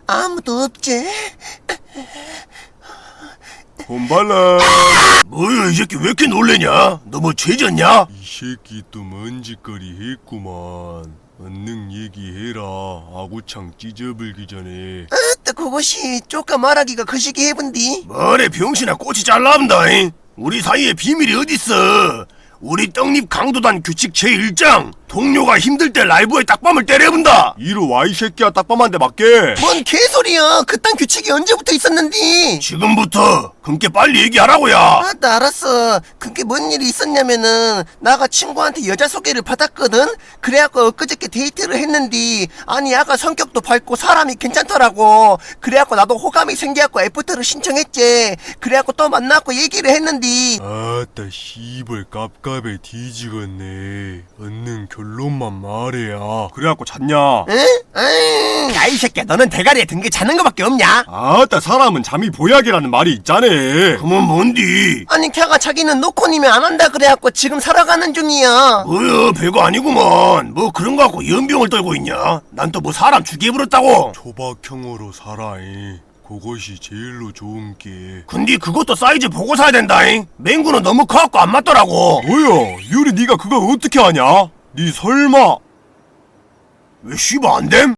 아무도 없지? 홈발라. 뭐야 이 새끼 왜 이렇게 놀래냐? 너 뭐 죄졌냐? 이 새끼 또 먼지거리 했구만. 얼른 얘기해라. 아구창 찢어불기 전에. 또 그것이 쪼까 말하기가 거시기 해본디. 뭐래 병신아 꼬치 잘나온다잉. 우리 사이에 비밀이 어딨어. 우리 떡잎 강도단 규칙 제1장 동료가 힘들 때 라이브에 딱밤을 때려본다. 이리 와 이 새끼야. 딱밤한테 맞게. 뭔 개소리야. 그딴 규칙이 언제부터 있었는디? 지금부터 그렇게 빨리 얘기하라고야. 나 알았어. 그게 뭔 일이 있었냐면은 나가 친구한테 여자 소개를 받았거든. 그래갖고 엊그저께 데이트를 했는데 아니 야가 성격도 밝고 사람이 괜찮더라고. 그래갖고 나도 호감이 생겨갖고 애프터를 신청했지. 그래갖고 또 만나고 얘기를 했는데 아따 씨발 깝깝해 뒤지겠네. 얼른 결론만 말해야. 그래갖고 잤냐? 응? 야 이 새끼야 너는 대가리에 든 게 자는 거밖에 없냐? 아따 사람은 잠이 보약이라는 말이 있자네. 그건 뭔디? 아니 걔가 자기는 노코님이 안 한다 그래갖고 지금 살아가는 중이야. 뭐야 별거 아니구먼. 뭐 그런 거 갖고 연병을 떨고 있냐? 난 또 뭐 사람 죽여버렸다고. 초박형으로 살아잉. 그것이 제일로 좋은 게. 근데 그것도 사이즈 보고 사야 된다잉. 맹구는 너무 커갖고 안 맞더라고. 뭐야 유리 네가 그걸 어떻게 하냐? 네 설마 왜 씨발 안 됨?